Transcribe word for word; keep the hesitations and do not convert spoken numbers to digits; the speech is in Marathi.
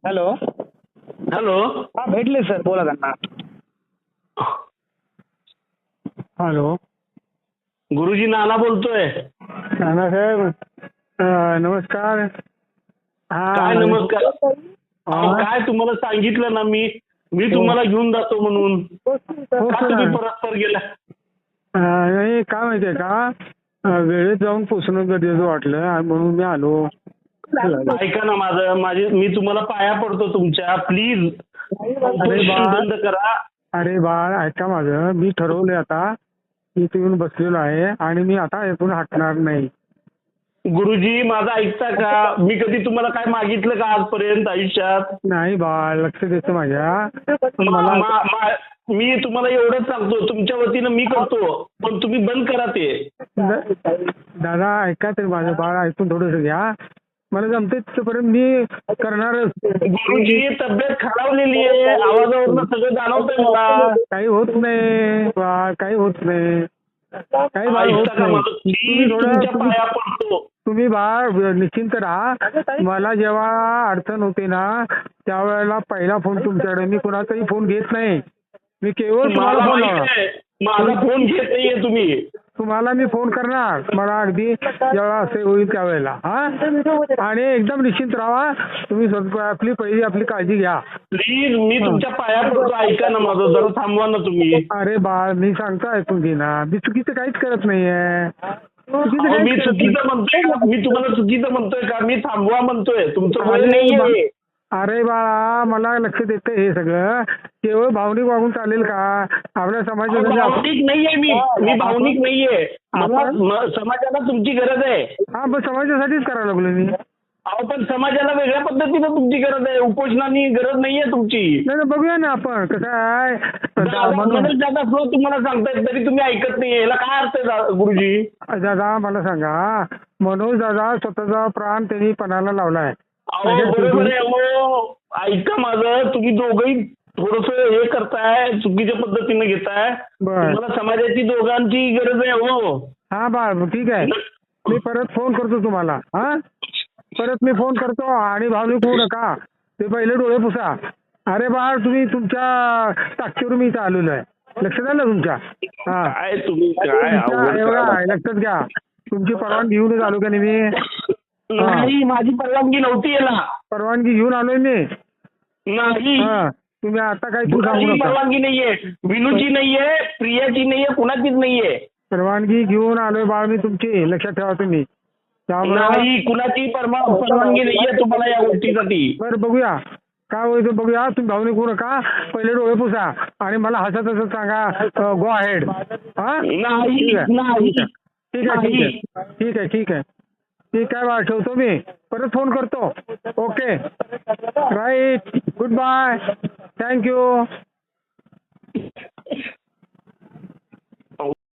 हॅलो. हॅलो. हा भेटले सर, बोला त्यांना. हॅलो. गुरुजी नाना बोलतोय. नाना साहेब, अं, नमस्कार. हा काय नमस्कार. अहो, हा. काय तुम्हाला सांगितलं ना मी मी तुम्हाला घेऊन जातो म्हणून. हो का सर. तुम्ही परस्पर गेला? अं, नाही काय माहितीये का, अं, वेळेत जाऊन पोचणं गरजेचं वाटलं आणि म्हणून मी आलो. ऐका ना माझं माझे मी तुम्हाला पाया पडतो तुमच्या, प्लीज बा- बंद करा. अरे बाळ, ऐका माझं, मी ठरवलंय आता. मी इथे येऊन बसलेलो आहे आणि मी आता यातून हटणार नाही. गुरुजी माझं ऐकता का? मी कधी तुम्हाला काय मागितलं का आजपर्यंत आयुष्यात? नाही बाळ, लक्ष देतं माझ्या. पण मा- मला मा- मा- मी तुम्हाला एवढंच सांगतो, तुमच्या वतीनं मी करतो, पण तुम्ही बंद करा ते. द- दादा ऐका तरी माझं बाळ, ऐकून थोडंसं घ्या. मला जमते तिथपर्यंत मी करणारच. गुरुजी तब्येत खालावलेली आहे, आवाजावरनं सगळं जाणवतंय मला. काही होत नाही बाळ, काही होत नाही, काही बाळ होत ऐकता का नाही. माझं? तुम्ही प्लीज थोडं तुमच्या तुम्ही पाया पडतो. तुम्ही बाळ निश्चिंत राहा. मला जेव्हा अडचण होते ना, त्यावेळेला पहिला फोन तुमच्याकडे. मी कुणाचाही फोन घेत नाही. मी केवळ तुम्हाला मला फोन माहित लावणार. आहे, माझा फोन घेत नाहीये तुम्ही. तुम्हाला मी फोन करणार, मला अगदी जेव्हा असे होईल त्यावेळेला. हा, आणि एकदम निश्चिंत राहा. तुम्ही स्वतः आपली पहिली आपली काळजी घ्या. प्लीज मी तुमच्या पाया पडतो, ऐका ना माझं, जरा थांबवा ना तुम्ही. अरे बाळ, मी सांगतो ऐकून घे ना. मी चुकीचं काहीच करत नाहीये. चुकीचं अहो, मी काहीच करत चुकीचं नाही. म्हणतोय का? मी तुम्हाला चुकीचं म्हणतोय का? मी थांबवा म्हणतोय, तुमचं वय अरे नाहीये. बा- अरे बाळा, मला लक्ष देतं हे सगळं. केवळ भावनिक वागून चालेल का? आपल्या अहो, समाजामध्ये आप- भावनिक नाहीये मी मी भावनिक नाहीये. मला आपण- म- समाजाला तुमची गरज आहे. हा, पण समाजासाठीच करायला लागलो मी. अहो, पण समाजाला वेगळ्या पद्धतीनं तुमची गरज आहे, उपोषणाची गरज नाहीये तुमची. नाही नाही, बघूया ना आपण कसं आहे. दादा, म्हणून मनोज दादा फ्लो तुम्हाला सांगतायत तरी तुम्ही ऐकत नाहीये, याला काय अर्थ आहे दा- गुरुजी? दादा मला सांगा, मनोज दादा स्वतःचा प्राण त्यांनी पणाला लावलाय. अहो बरोबर आहे. अहो ऐका माझं, तुम्ही दोघंही थोडस हे करताय, चुकीच्या पद्धतीने घेताय. बर. तुम्हाला समाजाची दोघांची गरज आहे. हो हा बाळ, ठीक आहे. मी परत फोन करतो तुम्हाला. हा, परत मी फोन करतो. आणि भावनिक होऊ नका. ते पहिले डोळे पुसा. अरे बाळ, तुम्ही तुमच्या ताकदीवर मी इथं आलेलो आहे. लक्षात आलं तुमच्या? हा, काय तुम्ही काय तुमच्या अवघड एवढा करायला? लक्षात घ्या. तुमची परवानगी घेऊनच आलो का नाही मी? नाही, माझी परवानगी नव्हती याला. परवानगी घेऊन आलोय मी. नाही, हा, तुम्ही आता काही तू सांगू कुणाची नका. परवानगी नाहीये, विनूची नाहीये, प्रियाची नाहीये, कुणाचीच नाहीये. परवानगी घेऊन आलोय बाळ मी तुमची. लक्षात ठेवा तुम्ही. त्यामुळे नाही, कुणाची परमा- परवानगी नाहीये तुम्हाला या गोष्टीसाठी. बरं, बघूया काय होईल बघूया. तुम्ही भावनिक होऊ नका. पहिले डोळे पुसा आणि मला हसत हसत सांगा गो अहेड. हा, नाही, ठीक आहे नाही, ठीक आहे ठीक आहे ठीक आहे ठीक आहे ठीक आहे ठीक आहे बाळ, ठेवतो मी. परत फोन करतो. Okay, right, good bye, thank you.